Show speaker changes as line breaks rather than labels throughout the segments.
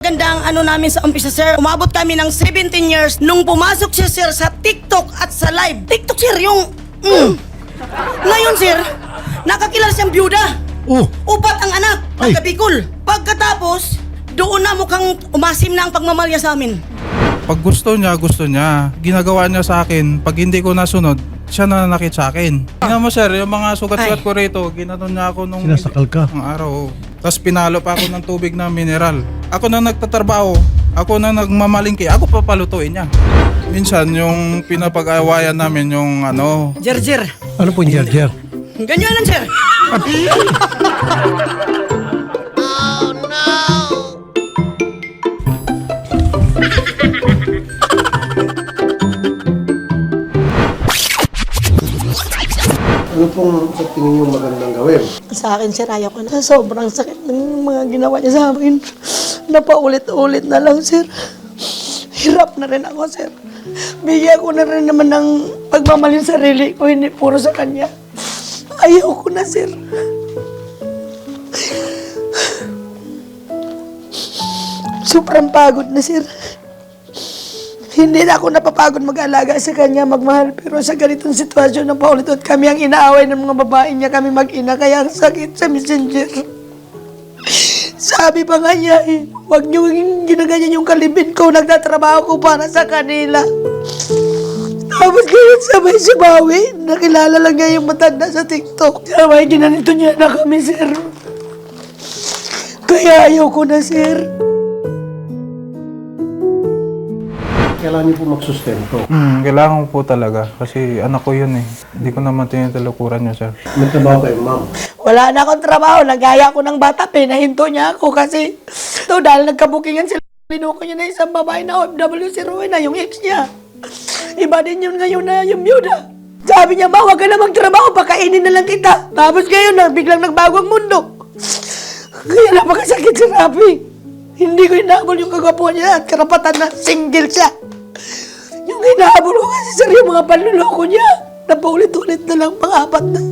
magandang ano namin sa umpisa, sir. Umabot kami ng 17 years nung pumasok siya, sir, sa TikTok at sa live. TikTok, sir, yung... Ngayon, sir, nakakilala siyang byuda. Upat ang anak, taga Bicol. Pagkatapos, doon na mukhang umasim na ang pagmamalya sa amin.
Pag gusto niya. Ginagawa niya sa akin. Pag hindi ko nasunod, siya nananakit sa akin. Tingnan mo, sir, yung mga sugat-sugat ko rito, ginanon niya ako nung...
Sinasakal ka?
Ang araw. Tapos pinalo pa ako ng tubig na mineral. Ako na nagtatrabaho, ako na nagmamalingki, ako papalutuin niya. Minsan, yung pinapag-awayan namin, yung ano...
Jer.
Ano po yung jer-jer?
Ganyanan, sir.
Ano pong sa tingin niyo magandang gawin?
Sa akin, sir, ayaw ko na. Sobrang sakit ng mga ginawa niya sa akin. Napaulit-ulit na lang, sir. Hirap na rin ako, sir. Bigyan ko na rin naman ng pagmamahal sa sarili ko, hindi puro sa kanya. Ayaw ko na, sir. Sobrang pagod na, sir. Hindi na ako napapagod mag-alaga sa kanya, magmahal. Pero sa ganitong sitwasyon na paulit-ulit kami ang inaaway ng mga babae niya, kami mag-ina, kaya ang sakit sa messenger. Sabi pa nga niya huwag niyo ginaganyan yung kalibin ko, nagtatrabaho ko para sa kanila. Tapos ganyan sabay si Bawi, nakilala lang niya yung matanda sa TikTok. Sabay ginanito niya na kami, sir. Kaya ayaw ko na, sir.
Kailangan niyo po magsustento.
Kailangan ko po talaga. Kasi anak ko yun eh. Hindi ko naman tinitulukuran niya, sir.
May trabaho kayo, ma'am.
Wala na akong trabaho, nagaya ko ng bata, pinahinto niya ako kasi ito dahil nagkabukingan sila. Binuko niya na isang babae na OFW, si Rowena, yung ex niya. Iba din yun ngayon na yung byuda. Sabi niya, ma, huwag ka na magtrabaho, pakainin na lang kita. Tapos ngayon, biglang nagbago ang mundo. Kaya napakasakit si Rafi. Hindi ko inaabol yung kagwapuan niya at karapatan na single siya. Yung inaabol ko kasi sir, yung mga panluloko niya. Napaulit-ulit na lang, pang-apat na.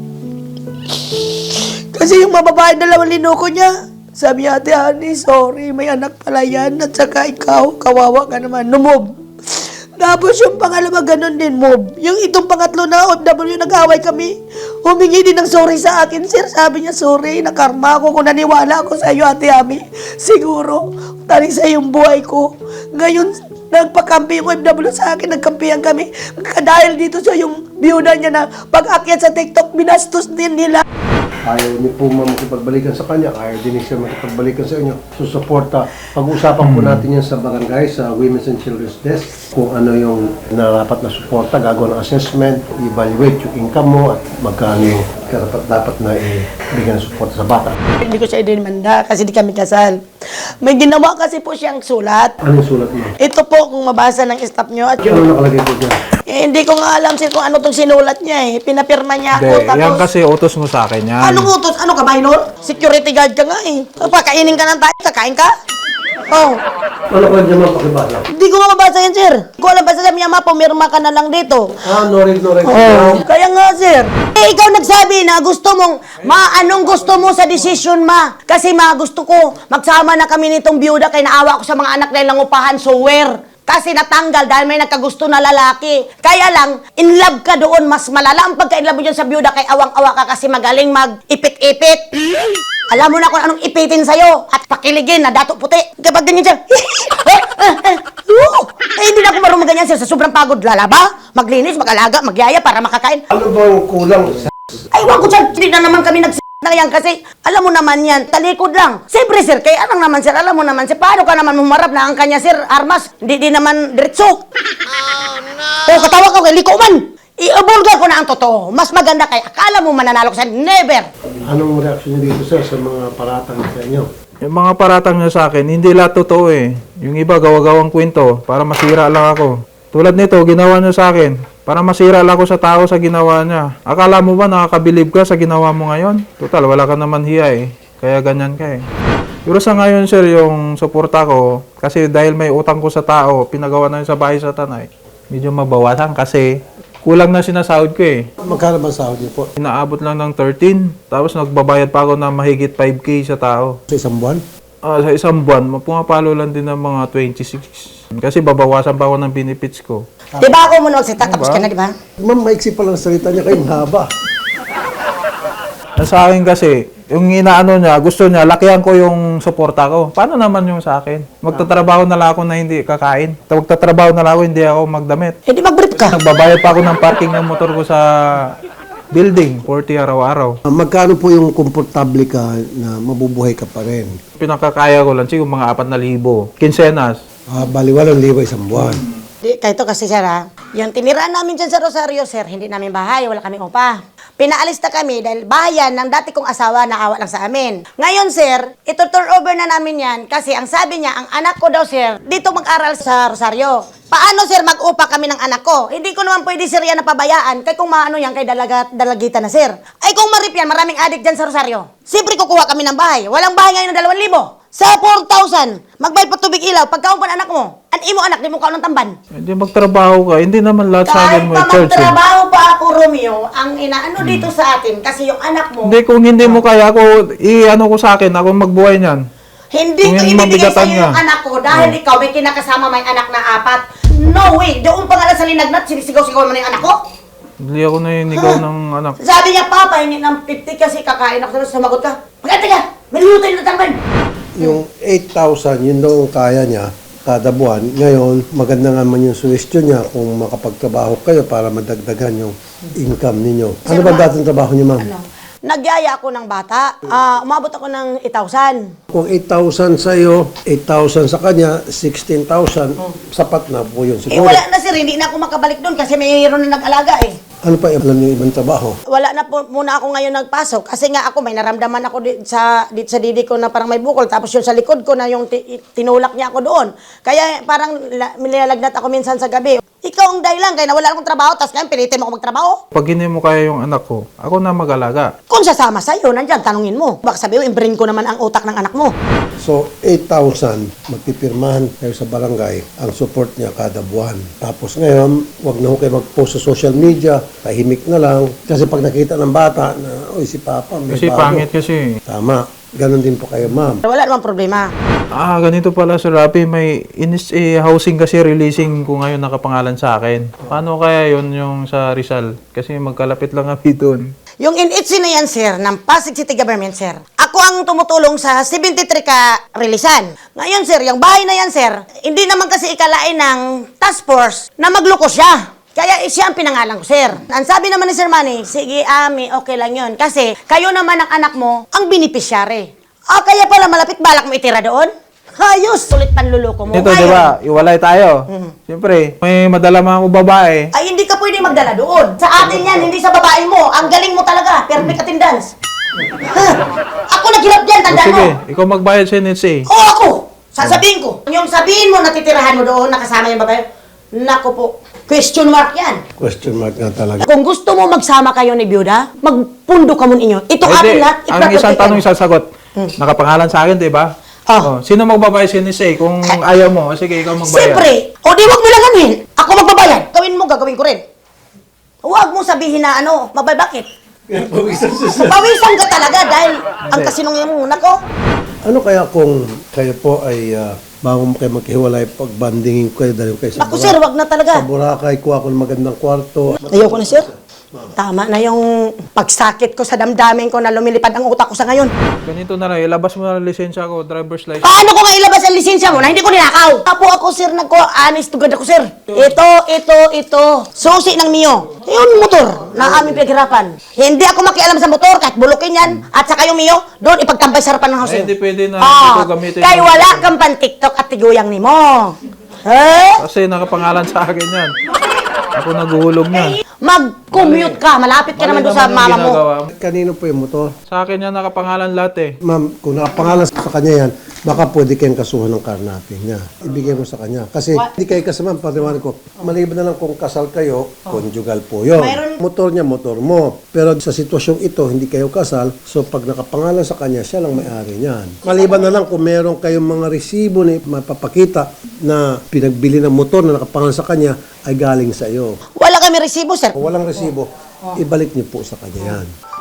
Kasi yung mababae dalawang linoko niya, sabi niya, Ate Honey, sorry, may anak pala yan. At saka ikaw, kawawa ka naman, numob. Tapos yung pangalawa, ganun din, mob. Yung itong pangatlo na OFW, nag-away kami. Humingi din ng sorry sa akin, sir. Sabi niya, sorry, nakarma ako kung naniwala ako sa iyo, Ate Ami. Siguro, taling sa yung buhay ko. Ngayon, nagpakampi yung OFW sa akin, nagkampihan kami. Dahil dito sa yung byuda niya na pag-akyat sa TikTok, binastos din nila.
Ayaw niyo po ma'am makipagbalikan sa kanya. Ayaw din siya makipagbalikan sa inyo. Susuporta. Pag-usapan po natin yan sa barangay, sa Women's and Children's Desk. Kung ano yung narapat na suporta, gagawa ng assessment, evaluate yung income mo at magkano yung dapat na ibigyan ng suporta sa bata.
Hindi ko siya idinimanda kasi di kami kasal. May ginawa kasi po siyang sulat.
Ano yung sulat mo?
Ito po kung mabasa ng staff nyo. At
Ano nakalagay po dyan?
hindi ko nga alam sir kung ano itong sinulat niya eh. Pinapirma niya ako.
Hindi, yan kasi utos mo sa akin yan.
Anong utos? Ano ka, minor? Security guard ka nga eh. Pakainin ka ng tayo, kakain ka? Oh.
Ano ko dyan ma'am pakibasa?
Hindi ko nga mabasa yan sir. Hindi ko alam, basta sabi niya pumirma ka na lang dito.
No read.
Kaya nga sir. Eh, ikaw nagsabi na gusto mong, anong gusto mo sa decision ma? Kasi gusto ko, magsama na kami nitong byuda kaya naawa ko sa mga anak na langupahan, so where? Kasi natanggal dahil may nagkagusto na lalaki. Kaya lang, in love ka doon, mas malala ang pagka-in love mo dyan sa byuda kay awang-awa ka kasi magaling mag-ipit-ipit. Alam mo na kung anong ipitin sa'yo at pakiligin na dato puti. Kapag ganyan siya, hindi na ako marunong ganyan siya sa sobrang pagod. Lalaba, maglinis, mag-alaga, magyaya para makakain.
Ano bang kulang sa...
Ay, wag ko siya, hindi na naman kami na yan kasi alam mo naman yan, talikod lang. Siyempre sir, kaya anong naman sir, alam mo naman sir, paano ka naman humarap na ang kanya sir, armas, hindi naman diretso. Oh no! O, katawa ka kay liko man. I-abulga ko na ang totoo. Mas maganda kay akala mo mananalo ko sa never.
Anong reaksyon niyo dito sir sa mga paratang sa inyo?
Yung mga paratang niya sa akin, hindi lahat totoo eh. Yung iba gawa-gawang kwento para masira lang ako. Tulad nito, ginawa niya sa akin para masira lang ako sa tao sa ginawa niya. Akala mo ba nakakabilib ka sa ginawa mo ngayon? Total, wala ka naman hiya eh. Kaya ganyan ka eh. Pero sa ngayon sir, yung suporta ko, kasi dahil may utang ko sa tao, pinagawa na yun sa bahay sa tanay, medyo mabawasan kasi kulang na sinasahod ko eh.
Magkano ba sahod niyo po?
Inaabot lang ng 13, tapos nagbabayad pa ako ng mahigit 5K sa tao.
Sa isang buwan?
Sa isang buwan, pumapalo lang din ng mga 26. Kasi babawasan pa ako ng benefits ko.
Di ba ako muna magsita, tapos ka na, di ba?
Ma'am, maiksi pa lang salita niya kayo, mahaba.
Sa akin kasi, yung inaano niya, gusto niya, lakihan ko yung suporta ko. Paano naman yung sa akin? Magtatrabaho na lang ako na hindi kakain. Magtatrabaho na lang ako, hindi ako magdamit.
Eh, di mag-brief ka.
Nagbabayad pa ako ng parking ng motor ko sa building, 40 araw-araw.
Magkano po yung komportable ka na mabubuhay ka pa rin?
Pinakakaya ko lang, siguro mga 4,000. Kinsenas.
Bali, 8,000 isang buwan.
Di, kahit kasi sir ha, yung tiniraan namin dyan sa Rosario sir, hindi namin bahay, wala kami upa. Pinaalis na kami dahil bahayan ng dati kong asawa na awa lang sa amin. Ngayon sir, ito turn over na namin yan kasi ang sabi niya, ang anak ko daw sir, dito mag-aral sa Rosario. Paano sir mag-upa kami ng anak ko? Hindi ko naman pwede sir yan na pabayaan kay kung maano yan kay dalagita na sir. Ay kung marip yan, maraming adik dyan sa Rosario. Siyempre kukuha kami ng bahay. Walang bahay ngayon ng 2,000. Sa 4,000, magbayad pa tubig ilaw, pagkaumpan anak mo. An imo anak, di mo ka ng tamban.
Hindi magtrabaho ka, hindi naman lahat sa akin
Kahit
mo
pa
i-charge.
magtrabaho pa ako, Romeo, ang inaano dito sa atin, kasi yung anak mo,
Hindi, kung hindi mo kaya ako, i-ano ko sa akin, ako magbuhay niyan.
hindi
Kung
ko
yung
ibibigay
mabigatan
sa iyo yung
nga.
anak ko dahil ikaw may kinakasama may anak na 4. No way! Doon pa nga lang sa linagnat, sinisigaw-sigaw mo na yung anak ko.
Hindi ako naninigaw ng anak.
Sabi niya, Papa, hindi ng 50 kasi kakain ako, tapos sumagot ka. Maganda ka! May luto yung tamban!
Yung 8,000, yun daw ang kaya niya kada buwan. Ngayon, maganda nga man yung suggestion niya kung makapagtrabaho kayo para madagdagan yung income ninyo. Ano ba dating trabaho niyo, ma'am?
Nagyaya ako ng bata. Umabot ako ng 8,000.
Kung 8,000 sa iyo, 8,000 sa kanya, 16,000, sapat na po yun
Eh
siguro.
wala na sir, hindi na ako makabalik doon kasi mayroon na nag-alaga eh.
Ano pa yung alam niyo ibang trabaho?
Wala na po muna ako ngayon nagpasok kasi nga ako may naramdaman ako sa didi ko na parang may bukol tapos yung sa likod ko na yung tinulak niya ako doon. Kaya parang nilalagnat ako minsan sa gabi. Ikaw ang dahilan kaya nawala akong trabaho tapos ngayon pilitin mo ako magtrabaho.
Pag hindi mo kaya yung anak ko, ako na mag-alaga.
Kung sasama sa'yo, nandiyan, tanungin mo. Baka sabihin, i-brain ko naman ang utak ng anak mo.
So, 8,000, magpipirmahan kayo sa barangay, ang support niya kada buwan. Tapos ngayon, wag na ho kayo mag-post sa social media, tahimik na lang. Kasi pag nakita ng bata na, oy, si Papa, may
Kasi
bago.
pangit kasi.
Tama. Ganon din po kayo, ma'am.
Wala namang problema.
Ganito pala Sir Rafi, may housing kasi releasing ko ngayon nakapangalan sa akin. Paano kaya yon yung sa Rizal? Kasi magkalapit lang kami doon.
Yung NHC na yan, sir, ng Pasig City Government, sir. Ako ang tumutulong sa 73 ka releasan. Ngayon, sir, yung bahay na yan, sir, hindi naman kasi ikalain ng task force na magloko siya. Kaya siya ang pinangalan ko, sir. Ang sabi naman ni Sir Manny, sige, Ami, okay lang yun. Kasi kayo naman ang anak mo, ang beneficiary. Kaya pala malapit balak mo itira doon? Hayos, sulit panluloko mo.
Ito, di ba? Iwalay tayo. Siyempre, may madala mga babae.
Ay, hindi ka pwede magdala doon. Sa atin yan, hindi sa babae mo. Ang galing mo talaga. Perfect attendance. Ha? Ako naghirap dyan, tandaan mo.
Sige, ikaw magbayad sa NHA.
O ako, sasabihin ko. Yung sabihin mo, natitirahan mo doon, nakasama yung babae. Naku po, question mark yan.
Question mark na talaga.
Kung gusto mo magsama kayo ni Byuda, magpundo ka muna inyo. Ito atin lahat.
Ang isang tanong sasagot. Nakapangalan sa akin, di ba?
Oh.
Sino magbabayad sa NHA? Kung ayaw mo, sige, ikaw magbayad.
Siyempre, o di wag mo lang anuhin. Ako magbabayad. Gawin mo, gagawin ko rin. Huwag mo sabihin na ano, bakit? Pawisan ka talaga dahil ang kasinungan mo, nako.
Ano kaya kung kayo po ay bago mo kayo maghiwalay, pagbandingin ko kayo, dahil kayo sa
Naku sir, wag na talaga.
Sa Boracay, kuha ko ng magandang kwarto.
Ayoko na sir. Tama na yung pagsakit ko sa damdamin ko na lumilipad ang utak ko sa ngayon.
Ganito na lang, ilabas mo na ang lisensya ko, driver's license.
Paano ko nga ilabas ang lisensya mo na hindi ko ninakaw? Apo ako sir, honest to God ako sir. Ito. Susi ng Mio. Yung motor na aming pinaghirapan. Hindi ako makialam sa motor kahit bulukin yan. At saka yung Mio, doon ipagtambay sa harapan ng house.
Hindi pwede na hindi ko gamitin.
Kaya wala kang pan TikTok at tiguyang ni mo. Eh?
Kasi nakapangalan sa akin yan. Ako naguhulog niyan.
Mag-commute ka. Malapit ka naman doon sa mama mo.
Kanino po yung motor?
Sa akin yan nakapangalan lahat eh.
Ma'am, kung nakapangalan sa kanya yan, baka pwede kayong kasuhan ng karnaping niya. Ibigay mo sa kanya. Kasi hindi kayo kasama, pariwan ko. Maliban na lang kung kasal kayo, conjugal po yun. Motor niya, motor mo. Pero sa sitwasyong ito, hindi kayo kasal, so pag nakapangalan sa kanya, siya lang may-ari niyan. Maliban na lang kung meron kayong mga resibo na mapapakita na pinagbili ng motor na nakapangalan sa kanya ay galing sa iyo.
Wala kami resibo, sir.
Kung walang resibo, ibalik niyo po sa kanya yan.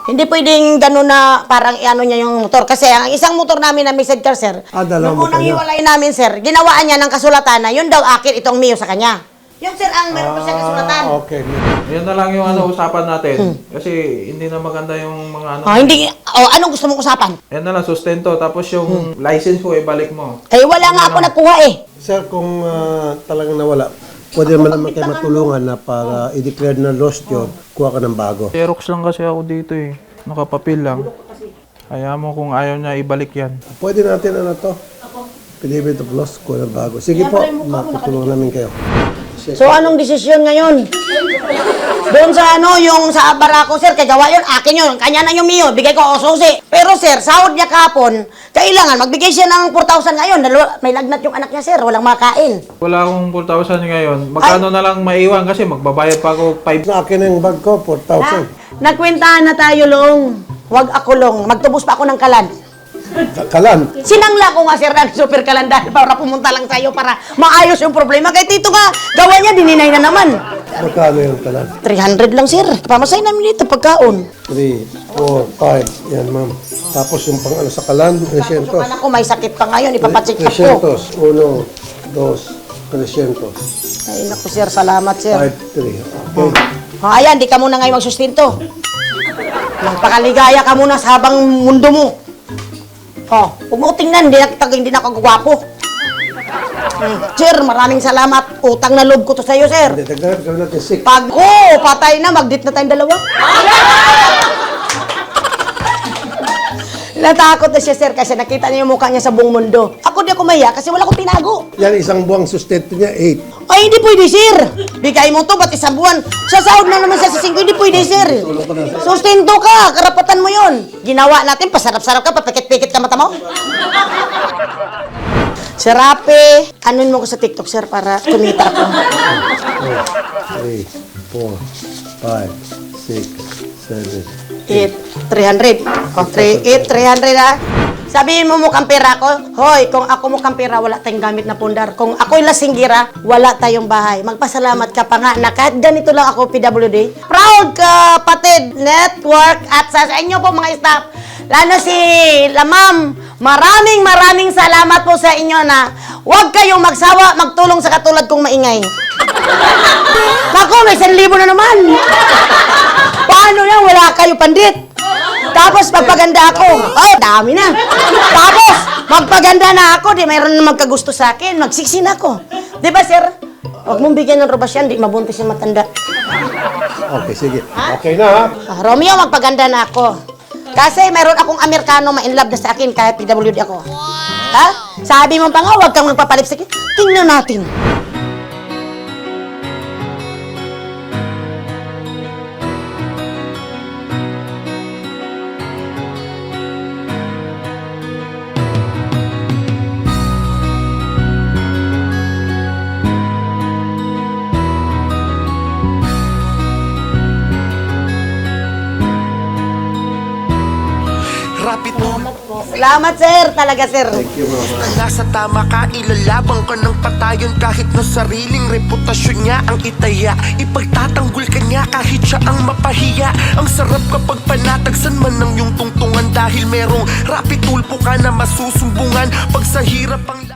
Hindi pwedeng gano'n na parang ano niya yung motor. Kasi ang isang motor namin na may sidecar, sir,
dalawang
nung unang
motor niya.
hiwalay namin, sir, ginawaan niya ng kasulatan na yun daw akin, itong Mio sa kanya. Yun, sir, ang meron pa siya kasulatan.
Okay.
Yan na lang yung usapan natin. Kasi hindi na maganda yung mga ano.
Hindi, anong gusto mong usapan?
Yan na lang, sustento. Tapos yung license ko, ibalik mo.
Eh, wala nga ako nakuha eh.
Sir, kung talagang nawala, pwede naman kayo matulungan na para i-declare na lost yun, kuha ka ng bago.
Xerox lang kasi ako dito eh. Nakapapil lang. Kaya mo kung ayaw niya, ibalik yan.
Pwede natin affidavit of loss, kuha ng bago. Sige po, matutulungan namin kayo.
So, anong desisyon ngayon? Doon sa yung sa barako, sir, kay gawa yun, akin yun, kanya na yung Mio, bigay ko o susi. Pero sir, sahod niya kapon, kailangan magbigay siya ng 4,000 ngayon, may lagnat yung anak niya, sir, walang makain.
Wala akong 4,000 ngayon. Magkano na lang maiwan kasi magbabayad pa ako 5.
Sa akin ang bag ko, 4,000.
Nagkwentahan na tayo, Long. Huwag ako, Long. Magtubos pa ako ng kalan.
Kalan.
Sinangla ko nga, sir, ng super kalan dahil para pumunta lang sa'yo para maayos yung problema. Kahit dito nga, gawa niya, dininay na naman.
Magkano yung kalan?
300 lang, sir. Pamasay namin dito, pagkaon.
3, 4, 5. Yan, ma'am. Tapos yung pang sa kalan, 300.
Anak ko, may sakit pa ngayon, ipapacheck up ko.
300. 1, 2, 300.
Ay, naku, sir, salamat, sir.
5, 3. Okay.
Ayan, di ka muna ngayon magsustinto. Magpakaligaya ka muna sa habang mundo mo. Huwag mo tingnan, hindi na ako gwapo. Sir, maraming salamat. Utang na loob ko to sa'yo, sir.
Hindi, dagdagan gawin natin 6.
Pag patay na, mag-date na tayong dalawa. Natakot na siya, sir, kasi nakita niya yung mukha niya sa buong mundo. Ako di ako maya kasi wala akong tinago.
Yan, isang buwang sustento niya, 8.
Ay, hindi pwede, sir. Bigay mo to, ba't isang buwan? Sasahod na naman siya sa 5, hindi pwede, sir. Sustento ka, karapatan mo yon. Ginawa natin, pasarap-sarap ka, papikit-pikit ka mata mo. Sir Rapi, anuin mo ko sa TikTok, sir, para kumita ako.
3, 4, 5, 6, 7,
300. 300 ha. Sabihin mo mukhang pera ko, hoy, kung ako mukhang pera, wala tayong gamit na pundar. Kung ako'y lasinggira, wala tayong bahay. Magpasalamat ka pa nga na kahit ganito lang ako PWD. Proud Kapatid Network at sa inyo po mga staff, lalo si Lamam, maraming salamat po sa inyo na huwag kayong magsawa magtulong sa katulad kong maingay. Naku, may 1,000 na naman. Paano yan? Wala kayo pandit. Tapos magpaganda ako. Oh, dami na. Tapos magpaganda na ako, di mayroon na magkagusto sa akin. Magsiksin ako. Di ba, sir? Huwag mong bigyan ng robas yan, di mabuntis yung matanda.
Okay, sige. Okay na, ha?
Romeo, magpaganda na ako. Kasi mayroon akong Amerikano ma-inlove na sa akin kahit PWD ako. Ha? Sabi mo pa nga, huwag kang magpapalipstick. Tingnan natin.
Rapid tulong.
Salamat, sir. Talaga, sir.
Nasa tama ka, ilalabang ka ng patayon kahit na sariling reputasyon niya ang itaya. Ipagtatanggol ka niya kahit siya ang mapahiya. Ang sarap kapag panatagsan man ng iyong tungtungan dahil merong rapid tulpo ka na masusumbungan pag sa hirap ang